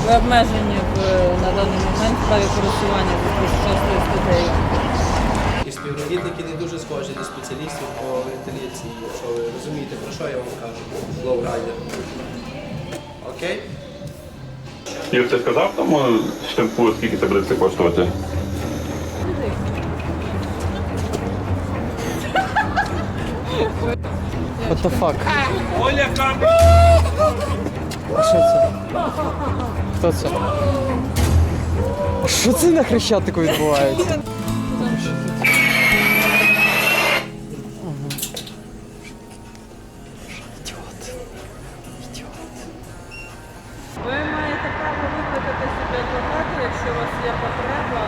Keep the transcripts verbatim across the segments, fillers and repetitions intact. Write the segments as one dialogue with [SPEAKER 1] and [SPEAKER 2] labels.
[SPEAKER 1] Ви обмежені в, на даний момент в праві користування шостою статтею.
[SPEAKER 2] І співробітники не дуже схожі до спеціалістів по вентиляції, якщо ви розумієте, про що я вам кажу. Лоурайдер. Окей?
[SPEAKER 3] Юр, ти сказав тому штампу, скільки це буде все коштувати?
[SPEAKER 4] What the fuck?
[SPEAKER 3] Оля,
[SPEAKER 4] Що це? Хто це? Що це на Хрещатику відбувається?
[SPEAKER 1] Ви маєте право викликати собі адвоката, якщо у вас є потреба.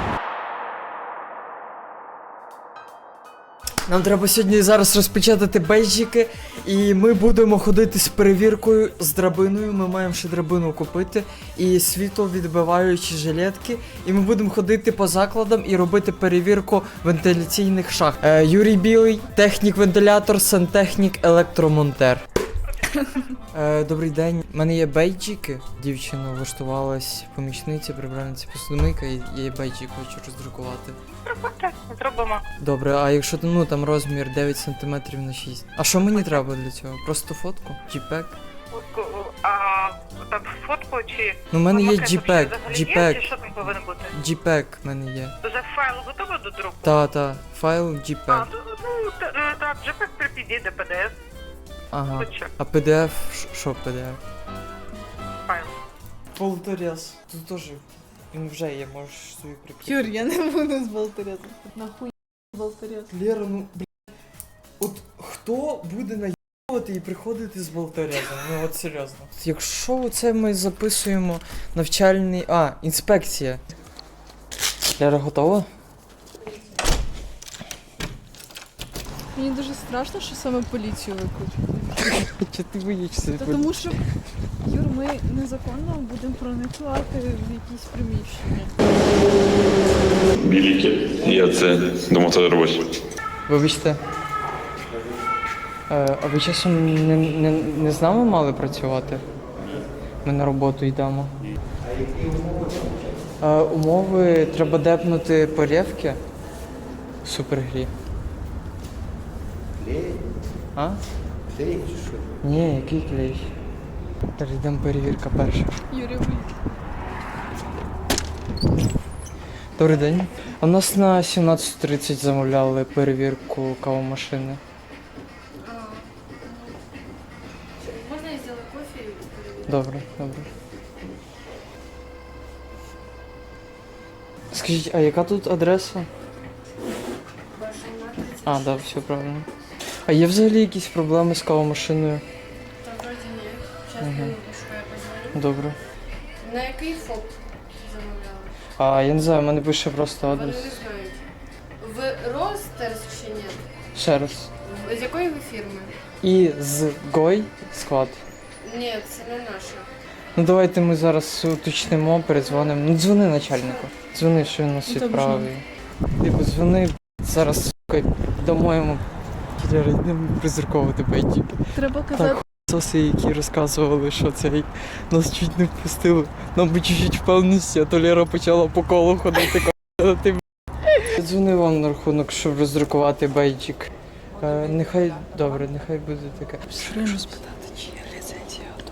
[SPEAKER 4] Нам треба сьогодні зараз розпечатати бейджики, і ми будемо ходити з перевіркою з драбиною. Ми маємо ще драбину купити і світловідбиваючі жилетки. І ми будемо ходити по закладам і робити перевірку вентиляційних шахт. Е, Юрій Білий, технік-вентилятор, сантехнік, електромонтер. Е, добрий день. У мене є бейджики. Дівчина влаштувалась помічниця, прибиральниця посудомийка, і є бейджик, хочу роздрукувати.
[SPEAKER 5] Проходьте, зробимо.
[SPEAKER 4] Добре, а якщо ну там розмір дев'ять сантиметрів на шість. А що мені треба для цього? Просто фотку? JPEG?
[SPEAKER 5] Фотку, а так фотку чи...
[SPEAKER 4] Ну, в мене є
[SPEAKER 5] макет
[SPEAKER 4] JPEG,
[SPEAKER 5] взагалі є,
[SPEAKER 4] JPEG.
[SPEAKER 5] чи що там повинно бути?
[SPEAKER 4] JPEG в мене є.
[SPEAKER 5] Вже файл готовий до друку?
[SPEAKER 4] Та, та, файл
[SPEAKER 5] А,
[SPEAKER 4] JPEG.
[SPEAKER 5] ну, ну та- е, так, JPEG при підійде пі ді еф,
[SPEAKER 4] Ага.
[SPEAKER 5] хоча
[SPEAKER 4] А пі ді еф, ш- що пі ді еф?
[SPEAKER 5] файл.
[SPEAKER 4] Полторез. Тут теж він вже є, можеш собі прикрити.
[SPEAKER 1] Юр, я не буду з болторезом. Нахуй з болторезом.
[SPEAKER 4] Лера, ну, блядь, от хто буде наїбувати і приходити з болторезом? Ну от серйозно. Якщо оце ми записуємо навчальний... А, інспекція. Лера, готова?
[SPEAKER 6] Мені дуже страшно, що саме поліцію викличуть.
[SPEAKER 4] Чи ти боїшся?
[SPEAKER 6] Та тому що, Юр, ми незаконно будемо проникати в якісь приміщення.
[SPEAKER 3] Біліки. Я це думав, це робочі.
[SPEAKER 4] Вибачте. Е, а ви часом не, не, не з нами мали працювати? Ми на роботу йдемо. Е, умови треба депнути порєвки в супергрі.
[SPEAKER 2] Клей?
[SPEAKER 4] А?
[SPEAKER 2] Клей чи що?
[SPEAKER 4] Ні, який клей? Зараз йдемо перевірка перша.
[SPEAKER 6] Юрій, ви
[SPEAKER 4] Добрий день. А в нас на сімнадцять тридцять замовляли перевірку кавомашини.
[SPEAKER 6] можна я зробити кофе і перевірити?
[SPEAKER 4] Добре, добре. Скажіть, а яка тут адреса? А, так, да, все правильно. А є взагалі якісь проблеми з кавомашиною?
[SPEAKER 7] Та вроді ні. Зараз
[SPEAKER 4] Мгм.
[SPEAKER 7] минуту, що я позвоню.
[SPEAKER 4] Добре.
[SPEAKER 7] На який ФОП замовляли?
[SPEAKER 4] А я не знаю, в мене пише просто
[SPEAKER 7] Вони
[SPEAKER 4] адрес.
[SPEAKER 7] не знають. Ви Ростерс чи ні?
[SPEAKER 4] Ще раз.
[SPEAKER 7] В- З якої ви фірми?
[SPEAKER 4] І з Гой склад.
[SPEAKER 7] Ні, це не наша.
[SPEAKER 4] Ну давайте ми зараз уточнимо, передзвонимо. Ну дзвони начальнику. Дзвони, що він нас
[SPEAKER 6] Ну, там
[SPEAKER 4] відправив. Типу, дзвони зараз, сука, дамо йому. Кілера, йдемо призерковувати бейджики.
[SPEAKER 6] Треба казати,
[SPEAKER 4] Так, соси, які розказували, що цей нас чуть не впустили. Нам би чуть-чуть впевненості, а то Лера почала по колу ходити. ка***а, ти, б***. Я дзвонив вам на рахунок, щоб роздрукувати бейджик. Е, нехай, добре, нехай буде таке. Що спитати, чи є ліцензія готова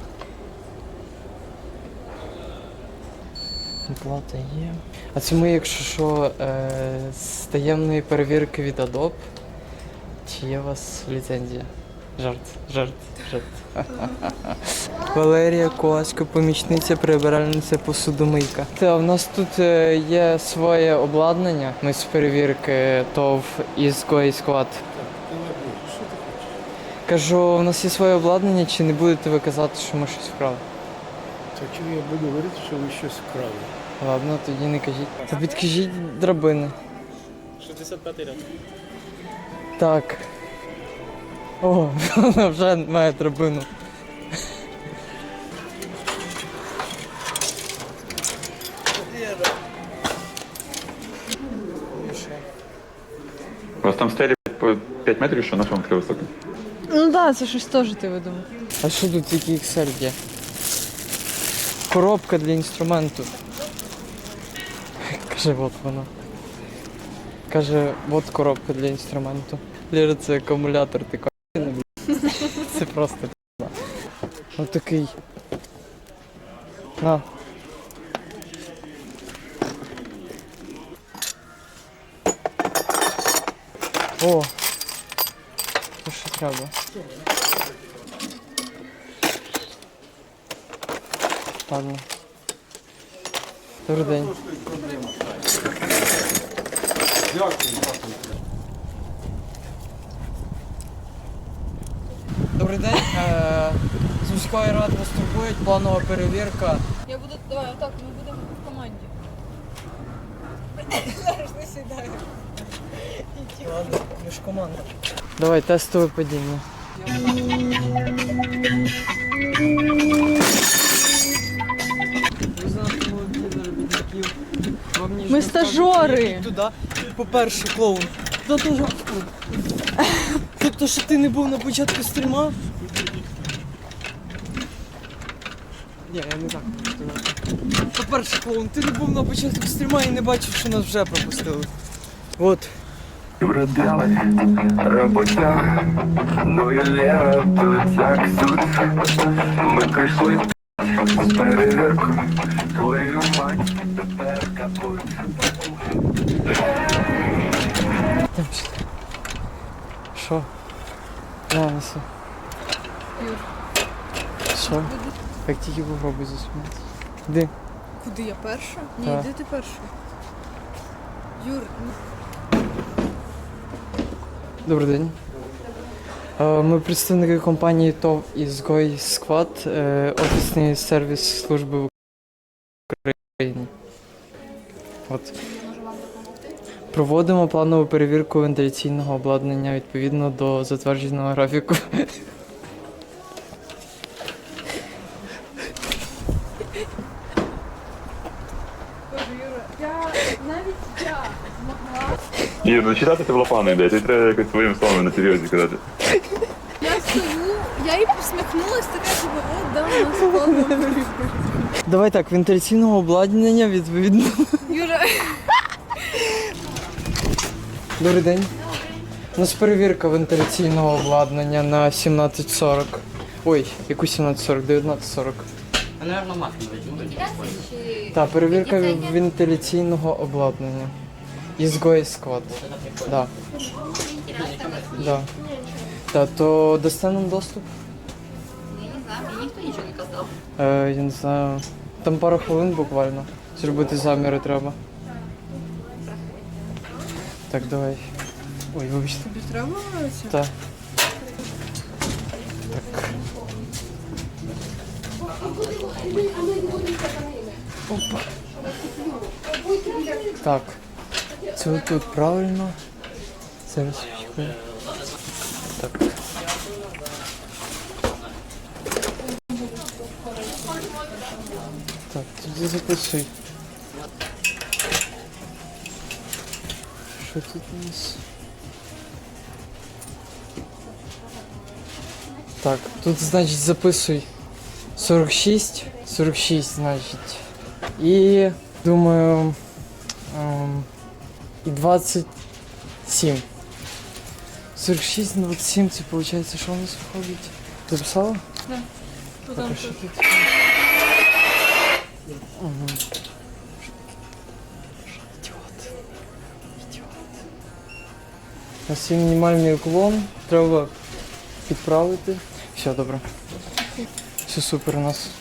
[SPEAKER 4] Оплата є. А це ми, якщо що, е, з таємної перевірки від Adobe. Чи є у вас ліцензія? Жарт, жарт, жарт. Валерія Ковасько, помічниця, прибиральниця, посудомийка. Та в нас тут е, є своє обладнання. Ми з перевірки ТОВ із Гой склад. Кажу, у нас є своє обладнання, чи не будете ви казати, що ми щось вкрали?
[SPEAKER 8] То чому я буду говорити, що ви щось вкрали?
[SPEAKER 4] Ладно, тоді не кажіть. Та підкажіть драбини.
[SPEAKER 2] шістдесят п'ятий ряд.
[SPEAKER 4] Так. О, вона вже має драбину.
[SPEAKER 3] У вас там стелі по п'ять метрів, що на чому таке високе?
[SPEAKER 6] ну так, да, це щось теж ти видумав.
[SPEAKER 4] А що тут тільки ікс ель є? коробка для інструменту. Каже, от вона. Каже, от коробка для інструменту. Ліра, це акумулятор, ти ка***ний, блядь. Це просто п***на. Ось такий. На. О! Це що треба? Ладно. Добрий день. Добрий день. Е, З міської ради вас турбують, планова перевірка.
[SPEAKER 6] Я буду. Давай, отак, ми будемо в команді. Зараз не сідаю.
[SPEAKER 4] Ладно, ви ж команда. Давай, тестове падіння.
[SPEAKER 6] Ми стажори.
[SPEAKER 4] Туди. По-перше, клоун. Та то, тобто, що ти не був на початку стріма? Ні, я не так. По-перше, клоун, ти не був на початку стріма і не бачив, що нас вже пропустили. От.
[SPEAKER 9] Проделать роботяг, ну і Лера тут як суд. Ми прийшли з перевірку, твою мать тепер капут.
[SPEAKER 4] Що? На, неси. Що? Як тільки попробуй засунути. Іди.
[SPEAKER 6] Куди я перша? Ні,
[SPEAKER 4] Так.
[SPEAKER 6] йди ти перша. Юр, ну,
[SPEAKER 4] Добрий день. Е, Ми представники компанії ТОВ «Ізгой Сквад», е, офісний сервіс служби в Україні. От. Проводимо планову перевірку вентиляційного обладнання відповідно до затвердженого графіку.
[SPEAKER 6] Боже, Юра, я навіть я змогла.
[SPEAKER 3] Ір, ну читати це було погано ідея, ти треба якось своїм словом на серйозі казати.
[SPEAKER 6] Я стою, я їй посміхнулась, така типу, о, да, у нас планова перевірка.
[SPEAKER 4] Давай так, вентиляційного обладнання відповідно.
[SPEAKER 6] Юра,
[SPEAKER 4] Добрий день. У нас перевірка вентиляційного обладнання на сімнадцять сорок. Ой, яку сімнадцять сорок? дев'ятнадцять сорок. Так, перевірка вентиляційного обладнання. Ізгой Сквад. Да. Да. Так, то дасте нам доступ?
[SPEAKER 10] Я не знаю, мне никто ничего не казав.
[SPEAKER 4] Е, я не знаю. Там пару хвилин буквально. Зробити заміри треба. Так, давай. Ой, вибачте.
[SPEAKER 6] тобі треба це?
[SPEAKER 4] Так. Так. Опа. Так. Це тут правильно. Зараз чекаю. Так. Так, тоді записуй. Що тут у нас? Так, тут, значить, записуй сорок шість, сорок шість, значить. І, думаю, ем, і двадцять сім. сорок шість, двадцять сім, це виходить, що у нас виходить? Записала?
[SPEAKER 6] Да. Тут
[SPEAKER 4] Так,
[SPEAKER 6] там
[SPEAKER 4] а що
[SPEAKER 6] тут.
[SPEAKER 4] тут? Угу. Ідіот. Ідіот. У нас є мінімальний уклон, треба підправити. Все, добре. Все супер у нас.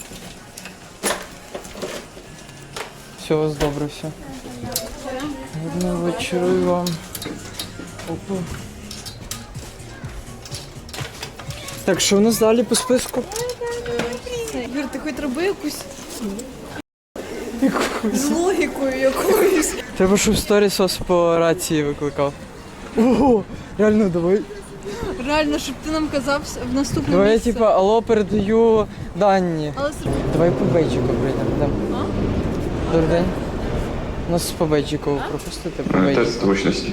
[SPEAKER 4] Все у вас добре, все. Гарного вечора і вам. Опа. Так, що у нас далі по списку?
[SPEAKER 6] Юр, ти хоч роби якусь з логікою якоюсь.
[SPEAKER 4] Треба, щоб сторіс вас по рації викликав. Ого, реально, давай.
[SPEAKER 6] Реально, щоб ти нам казав в наступному
[SPEAKER 4] Давай я
[SPEAKER 6] місці.
[SPEAKER 4] типа, алло, передаю дані.
[SPEAKER 6] Але все-
[SPEAKER 4] Давай по бейджику прийдемо. Да.
[SPEAKER 6] А?
[SPEAKER 4] Добрий день. Нас по бейджику пропустити по бейджику.
[SPEAKER 3] Тест зручності.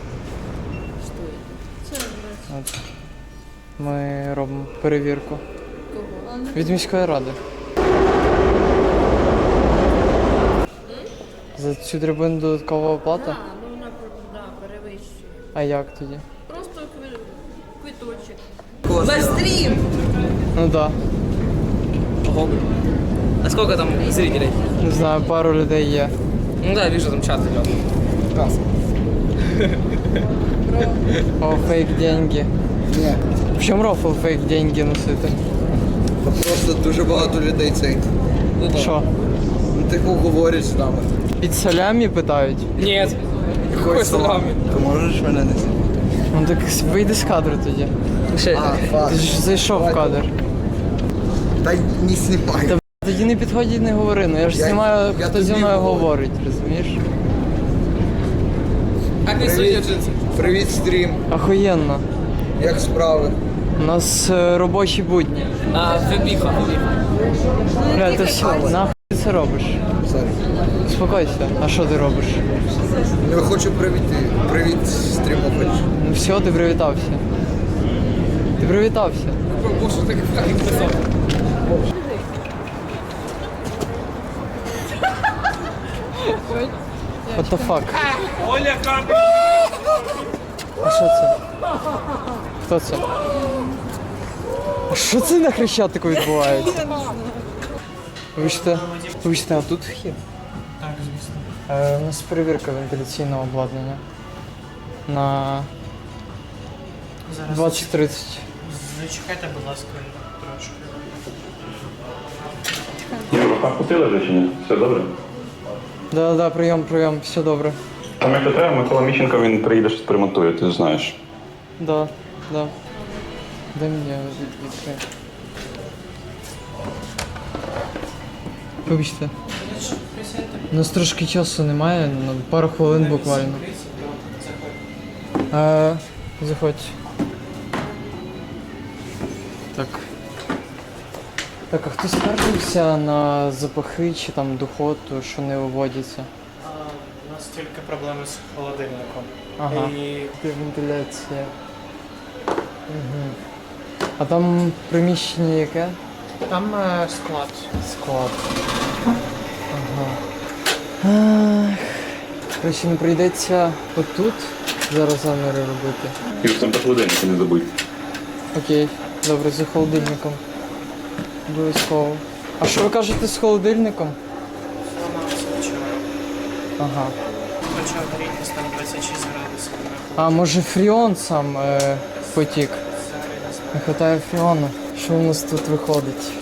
[SPEAKER 4] От. Ми робимо перевірку.
[SPEAKER 6] Кого?
[SPEAKER 4] Від міської ради. За цю драбину додаткова оплата?
[SPEAKER 10] Так, ну вона да, перевищує.
[SPEAKER 4] А як тоді?
[SPEAKER 10] Просто кви- квиточок.
[SPEAKER 4] Ну да.
[SPEAKER 11] А сколько там зрителей?
[SPEAKER 4] Не знаю, пару людей є.
[SPEAKER 11] Ну да, вижу, там чат идет.
[SPEAKER 4] О, фейк деньги.
[SPEAKER 8] Ні.
[SPEAKER 4] В чому рофл фейк деньги носити?
[SPEAKER 2] Просто дуже багато людей цей.
[SPEAKER 4] Що?
[SPEAKER 2] Тихо говорять з нами.
[SPEAKER 4] Під солями питають?
[SPEAKER 11] Нет. Какой салами?
[SPEAKER 2] Ти можеш мене не знімати?
[SPEAKER 4] Ну так вийди з кадру тоді. Ти ж зайшов в кадр.
[SPEAKER 2] Та не знімай.
[SPEAKER 4] Та тоді не підходь і не говори, ну я ж
[SPEAKER 2] Я-
[SPEAKER 4] знімаю,
[SPEAKER 2] я
[SPEAKER 4] хто зі
[SPEAKER 2] тобі
[SPEAKER 4] мною
[SPEAKER 2] говорю.
[SPEAKER 4] говорить, розумієш?
[SPEAKER 11] Как не судят?
[SPEAKER 2] Привіт, стрім.
[SPEAKER 4] Ахуєнно.
[SPEAKER 2] Як справи?
[SPEAKER 4] У нас е, робочі будні.
[SPEAKER 11] А, вебиха, вебиха.
[SPEAKER 4] Бля, ти все, нахуй ти це робиш?
[SPEAKER 2] Сорі.
[SPEAKER 4] Успокойся, а що ти робиш?
[SPEAKER 2] Я хочу привіти. Привіт, стрімович.
[SPEAKER 4] Ну все, ти привітався. Ти привітався.
[SPEAKER 11] Боже, так как их писал.
[SPEAKER 4] What the fuck?
[SPEAKER 11] Оля, как?
[SPEAKER 4] А що це? Хто це? А що це на Хрещатику відбувається? Вибачте, вибачте, а тут вхід? Так, звісно. Е, у нас перевірка вентиляційного обладнання. На двадцять тридцять.
[SPEAKER 8] Зачекайте, будь ласка, трошки.
[SPEAKER 3] Юра, похотили вже чи ні? Все добре?
[SPEAKER 4] Да, да, прийом, прийом, все добре.
[SPEAKER 3] Там як то треба, Микола Міщенко, він приїде, щось примонтує, ти знаєш.
[SPEAKER 4] Да, да. Дай мені від- відкрити. Вибачте. У нас трошки часу немає, на пару хвилин буквально. Е, заходь. Так. Так, а хто скаржився на запахи чи там духоту, що не виводяться?
[SPEAKER 8] У нас тільки проблеми з холодильником.
[SPEAKER 4] Ага.
[SPEAKER 8] І
[SPEAKER 4] Вентиляція. Угу. А там приміщення яке?
[SPEAKER 8] там е, склад.
[SPEAKER 4] Склад. Ага. Ах. Короче, не прийдеться отут зараз заміри робити.
[SPEAKER 3] Юр, там по холодильнику не забудь.
[SPEAKER 4] Окей, добре, за холодильником. Обов'язково. А що ви кажете з холодильником?
[SPEAKER 8] Зламався вчора.
[SPEAKER 4] Ага.
[SPEAKER 8] Почав грітись там двадцять шість градусів.
[SPEAKER 4] А може фріон сам е, потік? Не вистачає фріону. Що у нас тут виходить?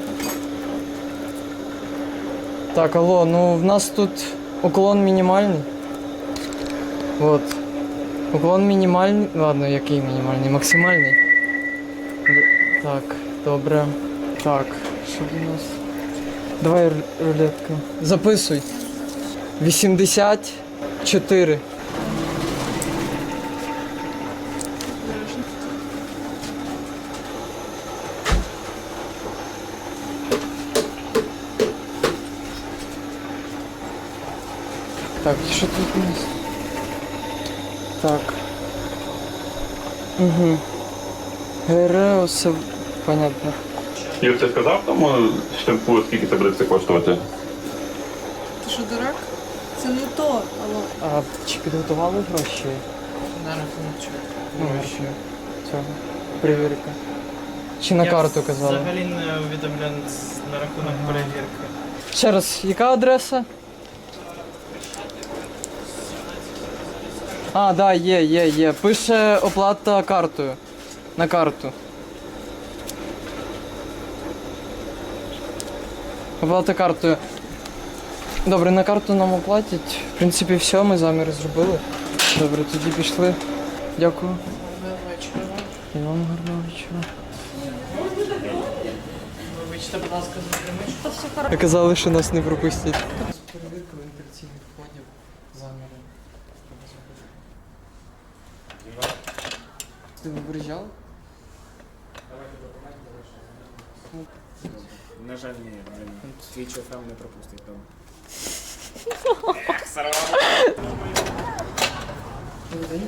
[SPEAKER 4] Так, алло, ну в нас тут уклон мінімальний. Вот. Уклон мінімальний. Ладно, який мінімальний? Максимальний. Д- Так, добре. Так, що у нас? Давай ру- рулетку. Записуй. вісімдесят чотири. Так, що тут у нас? Так. Угу. ГРО, все понятно.
[SPEAKER 3] Юр, ти сказав тому штемпу, скільки це буде все коштувати?
[SPEAKER 6] Ти що, дурак? Це не то, алло.
[SPEAKER 4] А чи підготували гроші?
[SPEAKER 8] На рахунок чого?
[SPEAKER 4] Ну, гроші цього. Перевірка. Чи на карту казали?
[SPEAKER 8] Взагалі не увідомлен на рахунок перевірки.
[SPEAKER 4] Ще раз, яка адреса? А, да, є, є, є. Пише оплата картою. На карту. Оплата картою. Добре, на карту нам оплатять. В принципі, все, ми заміри зробили. Добре, тоді пішли. Дякую. І вам гарного вечора.
[SPEAKER 8] Вибачте, будь ласка, за приміщення.
[SPEAKER 4] Казали, що нас не пропустять. Перевірка вентиляційних входів, заміри. Ти вибережав?
[SPEAKER 8] На жаль, ні. Твій ЧФМ не пропустить там.
[SPEAKER 4] Добрий день.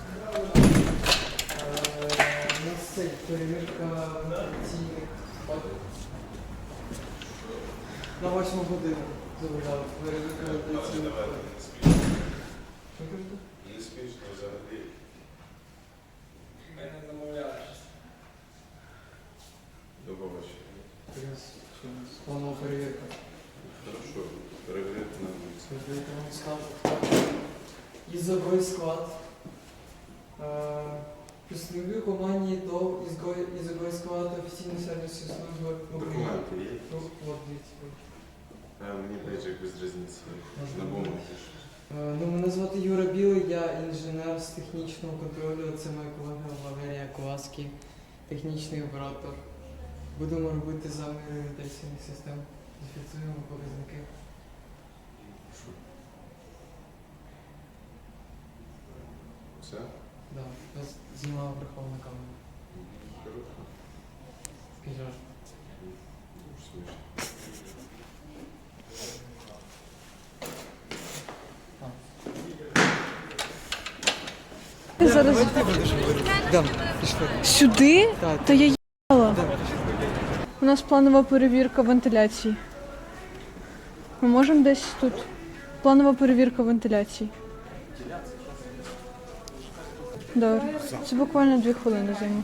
[SPEAKER 4] У нас це перевірка вентиляційних входів. На восьму годину. Добре, перевірка вентиляційних входів. Що кажете?
[SPEAKER 3] Не смішно взагалі.
[SPEAKER 11] Мене замовляєш.
[SPEAKER 3] До побачення.
[SPEAKER 4] Планова перевірка.
[SPEAKER 3] Хорошо, перевірити на вулиці.
[SPEAKER 4] Перевірка вам скажу. Ізовий склад. Представник компанії до ізовий склад офіційної сервісної служби.
[SPEAKER 3] Документи є?
[SPEAKER 4] Ну, от, дивіться.
[SPEAKER 3] А, мені бейджик без різниці. На бумагі.
[SPEAKER 4] Е, Ну, мене звати Юра Білий, я інженер з технічного контролю. Це моя колега Валерія Коваський, технічний оператор. Будемо робити заміри вентиляційних систем. Зафіксуємо показники.
[SPEAKER 3] Все?
[SPEAKER 4] Да, я з- знімала прихована камера.
[SPEAKER 3] Хорошо.
[SPEAKER 4] Скажеш.
[SPEAKER 3] Дуже смішно.
[SPEAKER 6] Зараз
[SPEAKER 4] Дам, пішли.
[SPEAKER 6] сюди?
[SPEAKER 4] Так.
[SPEAKER 6] Та я їхала. У нас планова перевірка вентиляції. Ми можемо десь тут. Планова перевірка вентиляції. Добре. Це буквально дві хвилини займе.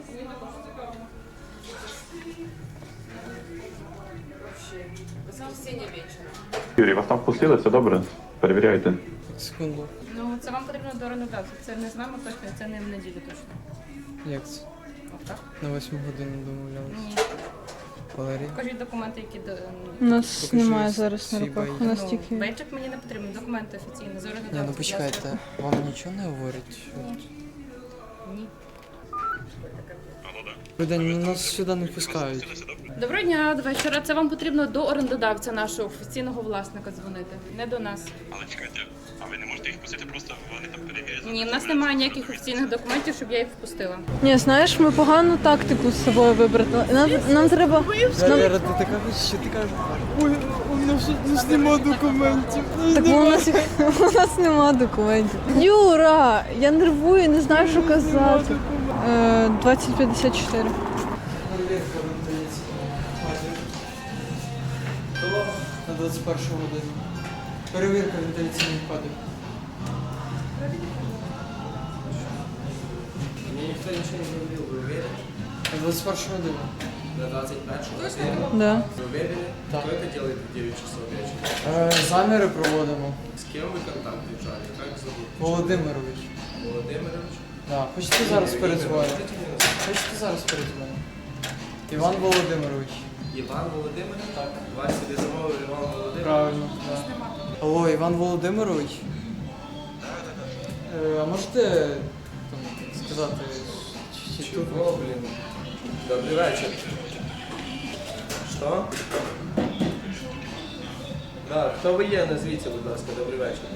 [SPEAKER 3] Юрій, вас там впустили, все добре? Перевіряйте.
[SPEAKER 4] Секунду.
[SPEAKER 10] Ну, це вам потрібно до орендодавця. Це не з нами точно, це не в неділю точно.
[SPEAKER 4] Як це?
[SPEAKER 10] Отак?
[SPEAKER 4] На восьму годину домовлялися.
[SPEAKER 10] Ні.
[SPEAKER 4] Валерій?
[SPEAKER 10] Покажіть документи, які до...
[SPEAKER 6] У нас
[SPEAKER 4] Покажи
[SPEAKER 6] немає зараз на
[SPEAKER 4] свій
[SPEAKER 6] руках.
[SPEAKER 4] бейджик.
[SPEAKER 6] У нас
[SPEAKER 10] Ну,
[SPEAKER 6] тільки.
[SPEAKER 10] бейджик мені не потрібен, документи офіційні, з орендодавця.
[SPEAKER 4] Ні, ну
[SPEAKER 10] будь
[SPEAKER 4] почекайте,
[SPEAKER 10] ласка.
[SPEAKER 4] вам нічого не говорять?
[SPEAKER 10] Ні.
[SPEAKER 4] Добрий день, ну, нас сюди не пускають.
[SPEAKER 10] Доброго дня, до вечора. Це вам потрібно до орендодавця нашого офіційного власника дзвонити, не до нас.
[SPEAKER 3] Але чекайте, а ви не можете їх пустити, просто вони там перевірять?
[SPEAKER 10] Ні, в нас немає ніяких офіційних документів, щоб я їх впустила.
[SPEAKER 6] Ні, знаєш, ми погану тактику з собою вибрали. Нам, нам треба. Нам...
[SPEAKER 4] Валера, ти така, що ти кажеш? Ой, у нас, у нас нема документів.
[SPEAKER 6] Так бо у нас, у нас нема документів. Юра, я нервую, не знаю, що казати. Е, двадцять п'ятдесят чотири.
[SPEAKER 4] Перевірка вентиляційних входів. На двадцять першу годину. Перевірка вентиляційних входів.
[SPEAKER 2] Мені ніхто нічого не говорив, ви уверені?
[SPEAKER 4] На двадцять першу годину.
[SPEAKER 2] На двадцать первую?
[SPEAKER 6] Да.
[SPEAKER 2] Вы уверены?
[SPEAKER 4] Да.
[SPEAKER 2] Кто это делает в девять часов вечера?
[SPEAKER 4] Е, заміри проводимо.
[SPEAKER 2] С кем вы контакт держали? Как зовут?
[SPEAKER 4] Володимирович.
[SPEAKER 2] Володимирович?
[SPEAKER 4] Да. Хочете зараз передзвонити? Хочете зараз передзвонити? Іван Володимирович.
[SPEAKER 2] Іван Володимирович? Так. Вас собі замовив Іван Володимирович?
[SPEAKER 4] Правильно. Да. Алло, Іван Володимирович. Е, а можете там, сказати, чи, чи тут?
[SPEAKER 2] Чего, блин? Добрый вечер. Что? Да, хто ви є? Назвіться, будь ласка, добрий вечір.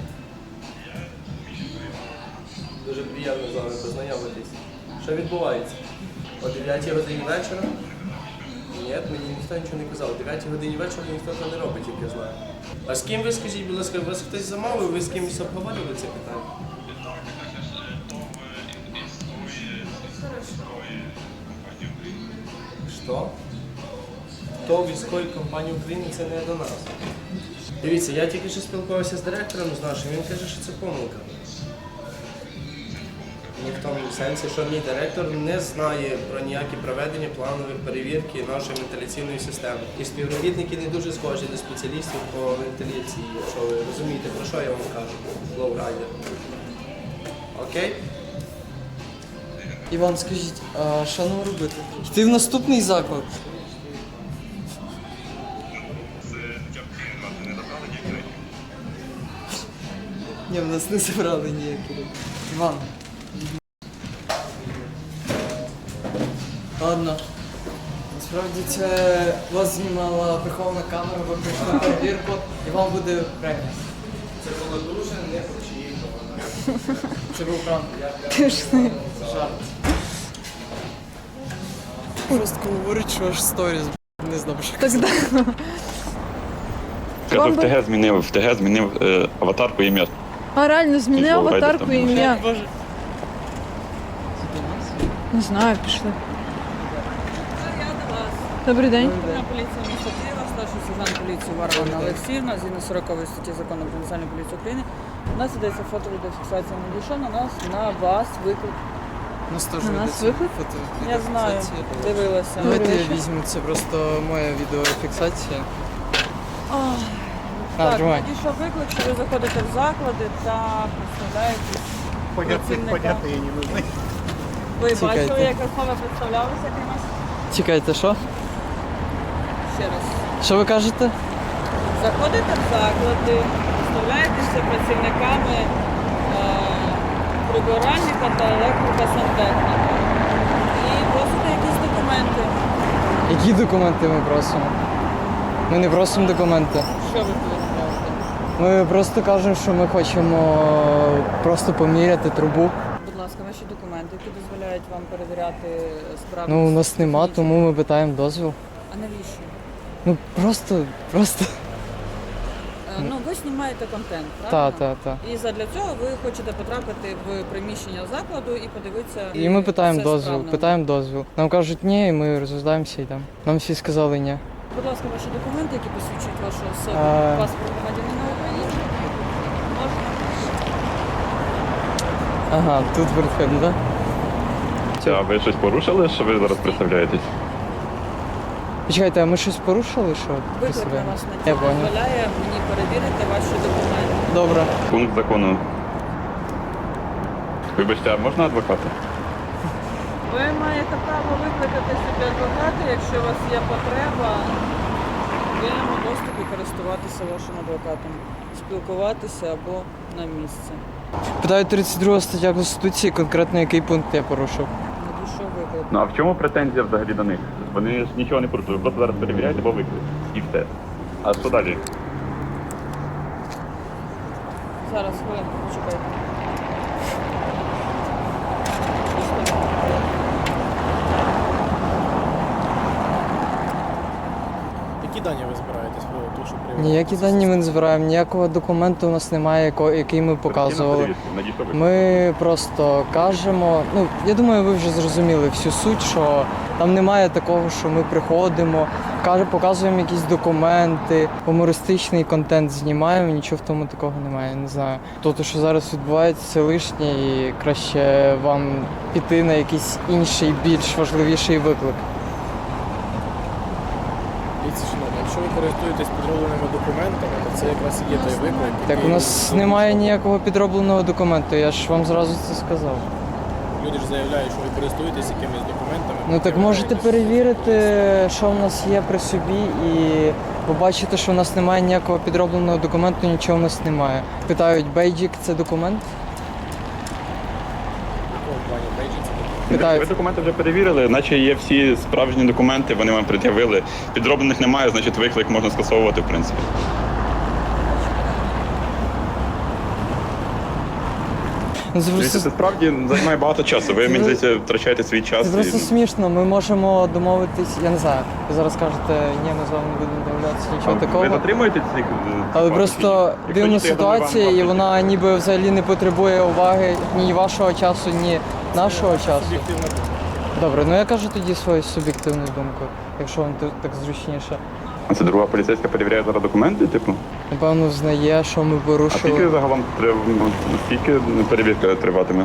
[SPEAKER 2] Дуже приємно з вами познайомитись. Що відбувається? О дев'ятій годині вечора? Ні, мені ніхто нічого не казав. О дев'ятій годині вечора ніхто це не робить, як я знаю. А з ким ви, скажіть, будь ласка, вас хтось замовив, ви з кимось обговорювали це питання? Що? То військової компанії України це не до нас. Дивіться, я тільки що спілкувався з директором з нашим, він каже, що це помилка. Ні в тому сенсі, що мій директор не знає про ніякі проведення планових перевірки нашої вентиляційної системи. І співробітники не дуже схожі до спеціалістів по вентиляції, якщо ви розумієте, про що я вам кажу, лоурайдер. Окей?
[SPEAKER 4] Іван, скажіть, а що нам робити? Йти в наступний заклад? Ні, в нас не забрали ніякі речі. Іван. Ладно. Насправді це вас знімала прихована камера, ви прийшли на перевірку і вам буде премія.
[SPEAKER 2] Це було дуже непочіпно.
[SPEAKER 4] Це був пранк.
[SPEAKER 6] Пішли.
[SPEAKER 4] Жарт. Просто говорить, що аж сторіс, не знаю, що
[SPEAKER 6] Так, да.
[SPEAKER 3] Каже,
[SPEAKER 6] Вам
[SPEAKER 3] в
[SPEAKER 6] би-
[SPEAKER 3] ТГ змінив, в ТГ змінив е, аватарку ім'я.
[SPEAKER 6] А реально, зміни
[SPEAKER 3] Типу, гайда
[SPEAKER 6] аватарку
[SPEAKER 3] там.
[SPEAKER 6] і ім'я.
[SPEAKER 4] Боже.
[SPEAKER 6] Не знаю, пішли.
[SPEAKER 1] Я до вас.
[SPEAKER 6] Добрий день.
[SPEAKER 1] На поліції міста Києва, старший сержант лейтенант поліції Варвара Олексіївна, згідно сорокової статті закону про національну поліцію України, у нас ідеться фото-відеофіксація. Надійшов на нас, на вас виклик.
[SPEAKER 4] У нас теж
[SPEAKER 1] На нас
[SPEAKER 4] ведеться
[SPEAKER 1] виклик?
[SPEAKER 4] фото.
[SPEAKER 1] Я знаю, дивилася.
[SPEAKER 4] Давайте я візьму, це просто моя відеофіксація.
[SPEAKER 1] Ох,
[SPEAKER 4] А,
[SPEAKER 1] так,
[SPEAKER 4] тримай.
[SPEAKER 1] надійшов виклик, що ви заходите в заклади та представляєтесь працівникам.
[SPEAKER 8] не нужны.
[SPEAKER 1] Ви
[SPEAKER 4] Чекайте.
[SPEAKER 1] бачили, як особа представлялася кимось?
[SPEAKER 4] Чекайте, що?
[SPEAKER 1] Ще раз.
[SPEAKER 4] Що ви кажете?
[SPEAKER 1] Заходите в заклади, представляєтеся працівниками е, прибиральника та електрика сантехніка. І просите якісь документи.
[SPEAKER 4] Які документи ми просимо? Ми не просимо документи.
[SPEAKER 1] Що ви повідомляєте?
[SPEAKER 4] Ми просто кажемо, що ми хочемо просто поміряти трубу.
[SPEAKER 1] Будь ласка, ваші документи, які дозволяють вам перевіряти справи.
[SPEAKER 4] Ну, у нас нема, тому ми питаємо дозвіл.
[SPEAKER 1] А навіщо?
[SPEAKER 4] Ну просто, просто.
[SPEAKER 1] Е, Ну, ви знімаєте контент,
[SPEAKER 4] Та,
[SPEAKER 1] правильно?
[SPEAKER 4] та, та.
[SPEAKER 1] І задля цього ви хочете потрапити в приміщення закладу і подивитися.
[SPEAKER 4] І ми питаємо
[SPEAKER 1] все
[SPEAKER 4] дозвіл,
[SPEAKER 1] справно.
[SPEAKER 4] питаємо дозвіл. Нам кажуть ні, і ми розглядаємося і йдемо. Нам всі сказали ні.
[SPEAKER 1] Будь ласка, ваші документи, які посвідчують вашу особу,
[SPEAKER 4] А.
[SPEAKER 1] паспорт громадянина України. Можна?
[SPEAKER 4] Ага, тут вертхед, так?
[SPEAKER 3] А ви щось порушили, що ви зараз представляєтесь?
[SPEAKER 4] Почекайте, а ми щось порушили, що
[SPEAKER 1] Виклик на
[SPEAKER 4] представляємо?
[SPEAKER 1] вас
[SPEAKER 4] Я
[SPEAKER 1] на
[SPEAKER 4] понял.
[SPEAKER 1] дозволяє мені перевірити ваші документи.
[SPEAKER 4] Добре.
[SPEAKER 3] Пункт закону. Вибачте, а можна адвоката?
[SPEAKER 1] Ви маєте право викликати собі адвоката, якщо у вас є потреба в вільному доступі користуватися вашим адвокатом, спілкуватися або на місці.
[SPEAKER 4] Питаю тридцять друга стаття Конституції, конкретно який пункт я порушив.
[SPEAKER 1] Надійшов виклик.
[SPEAKER 3] Ну а в чому претензія взагалі до них? Вони ж нічого не порушили, ви просто зараз перевіряєте, бо виклик. І все. А що далі?
[SPEAKER 1] Зараз, хвилинку, почекайте.
[SPEAKER 8] Які дані ви збираєтесь про те, що привели?
[SPEAKER 4] Ніякі дані ми не збираємо, ніякого документу у нас немає, яко- який ми показували.
[SPEAKER 3] Надійшов виклик.
[SPEAKER 4] Ми просто кажемо, ну я думаю, ви вже зрозуміли всю суть, що там немає такого, що ми приходимо, каже, показуємо якісь документи, гумористичний контент знімаємо, нічого в тому такого немає. Не знаю. Тобто, що зараз відбувається, це лишнє, і краще вам піти на якийсь інший, більш важливіший виклик.
[SPEAKER 8] Дивіться, шановні, якщо ви користуєтесь підробленими документами, то це якраз і є той виклик.
[SPEAKER 4] Так у
[SPEAKER 8] який-
[SPEAKER 4] нас немає ніякого підробленого документу, я ж вам зразу це сказав.
[SPEAKER 8] Люди ж заявляють, що ви користуєтесь якимись документами.
[SPEAKER 4] Ну так можете перевірити, що в нас є при собі, і побачите, що в нас немає ніякого підробленого документу, нічого в нас немає. Питають, бейджик це документ?
[SPEAKER 8] В плані бейджинг це документ.
[SPEAKER 3] Ви
[SPEAKER 4] Питають.
[SPEAKER 3] документи вже перевірили, наче є всі справжні документи, вони вам пред'явили. Підроблених немає, значить виклик можна скасовувати, в принципі.
[SPEAKER 4] Ну, це
[SPEAKER 3] Дивіться,
[SPEAKER 4] просто,
[SPEAKER 3] це справді займає багато часу. Ви, мені здається, втрачаєте свій час.
[SPEAKER 4] це просто
[SPEAKER 3] і, ну,
[SPEAKER 4] смішно, ми можемо домовитись, я не знаю, ви зараз кажете, ні, ми з вами не будемо домовлятися, нічого
[SPEAKER 3] Ви
[SPEAKER 4] такого.
[SPEAKER 3] затримуєте цих?
[SPEAKER 4] Але просто дивна ситуація, і вона ніби взагалі не потребує уваги ні вашого часу, ні нашого часу.
[SPEAKER 8] Суб'єктивна думка.
[SPEAKER 4] Добре, ну я кажу тоді свою суб'єктивну думку, якщо вам тут так зручніше.
[SPEAKER 3] А це друга поліцейська перевіряє зараз документи, типу?
[SPEAKER 4] Напевно, знає, що ми
[SPEAKER 3] А скільки
[SPEAKER 4] порушили.
[SPEAKER 3] загалом треба, ну, скільки перевірка триватиме?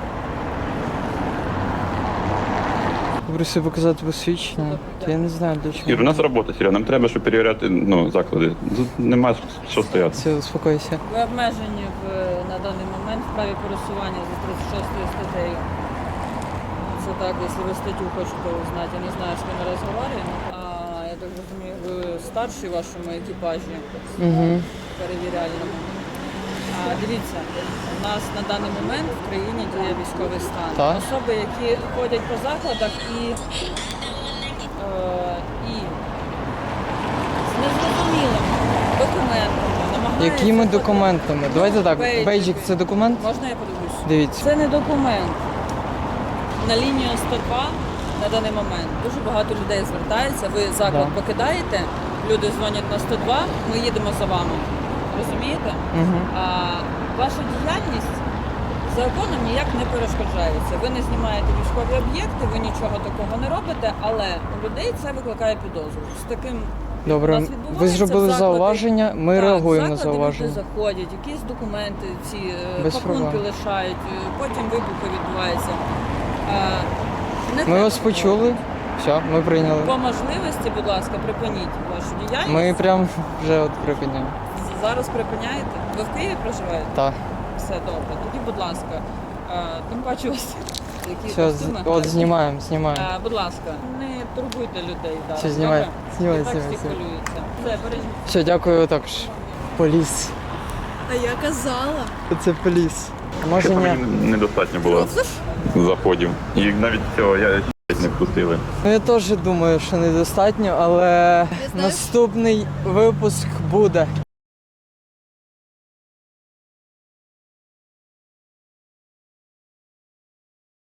[SPEAKER 4] Попросив показати посвідчення. Та я не знаю для чого.
[SPEAKER 3] Ір, у нас робота, Сіря, нам треба, щоб перевіряти ну, заклади. Тут нема що стояти.
[SPEAKER 4] Все, успокойся.
[SPEAKER 1] Ви обмежені в, на даний момент в праві пересування за тридцять шостою статтею. Це так, якщо ви статтю хочете узнати, я не знаю, з ким ми розговорюємо. А я так розумію, ви старший в вашому екіпажі
[SPEAKER 4] Угу.
[SPEAKER 1] перевіряльному. А, дивіться, у нас на даний момент в країні діє військовий стан.
[SPEAKER 4] Так.
[SPEAKER 1] Особи, які ходять по закладах і, е, і з незрозумілими документами намагаються...
[SPEAKER 4] Якими документами? Давайте так,
[SPEAKER 1] Бейджики.
[SPEAKER 4] бейджик це документ?
[SPEAKER 1] Можна я подивлюсь?
[SPEAKER 4] Дивіться.
[SPEAKER 1] Це не документ. На лінію сто два на даний момент дуже багато людей звертається. Ви заклад
[SPEAKER 4] Да.
[SPEAKER 1] покидаєте, люди дзвонять на сто два, ми їдемо за вами. Розумієте?
[SPEAKER 4] Угу.
[SPEAKER 1] А ваша діяльність законом ніяк не перешкоджається. Ви не знімаєте військові об'єкти, ви нічого такого не робите, але у людей це викликає підозру. З таким
[SPEAKER 4] Добре,
[SPEAKER 1] У нас
[SPEAKER 4] ви
[SPEAKER 1] відбувається
[SPEAKER 4] зробили
[SPEAKER 1] в закладі-
[SPEAKER 4] зауваження, ми
[SPEAKER 1] Так,
[SPEAKER 4] реагуємо на
[SPEAKER 1] в заклади
[SPEAKER 4] зауваження.
[SPEAKER 1] Люди заходять, якісь документи, ці е,
[SPEAKER 4] Без
[SPEAKER 1] пакунки
[SPEAKER 4] проблем.
[SPEAKER 1] лишають, е, потім вибухи відбуваються. Е, не
[SPEAKER 4] Ми
[SPEAKER 1] треба
[SPEAKER 4] вас
[SPEAKER 1] такого.
[SPEAKER 4] почули. Все, ми прийняли.
[SPEAKER 1] По можливості, будь ласка, припиніть вашу діяльність.
[SPEAKER 4] Ми прям вже от припиняємо.
[SPEAKER 1] Зараз припиняєте? Ви в Києві проживаєте?
[SPEAKER 4] Так.
[SPEAKER 1] Все добре. Тоді, будь ласка, е, тим паче у вас які
[SPEAKER 4] Все, з-
[SPEAKER 1] костюми
[SPEAKER 4] от
[SPEAKER 1] гарні.
[SPEAKER 4] знімаємо, знімаємо.
[SPEAKER 1] Е, Будь ласка, не турбуйте людей зараз.
[SPEAKER 4] Все, знімай,
[SPEAKER 1] добре?
[SPEAKER 4] знімай,
[SPEAKER 1] І так
[SPEAKER 4] знімай,
[SPEAKER 1] всі
[SPEAKER 4] знімай.
[SPEAKER 1] хвилюються. Все, бережіть.
[SPEAKER 4] Все, дякую також. Поліс.
[SPEAKER 6] А я казала.
[SPEAKER 4] Це поліс. Може
[SPEAKER 3] Там
[SPEAKER 4] ні.
[SPEAKER 3] їм недостатньо було заходів. І навіть цього я не впустили.
[SPEAKER 4] Ну я теж думаю, що недостатньо, але наступний випуск буде.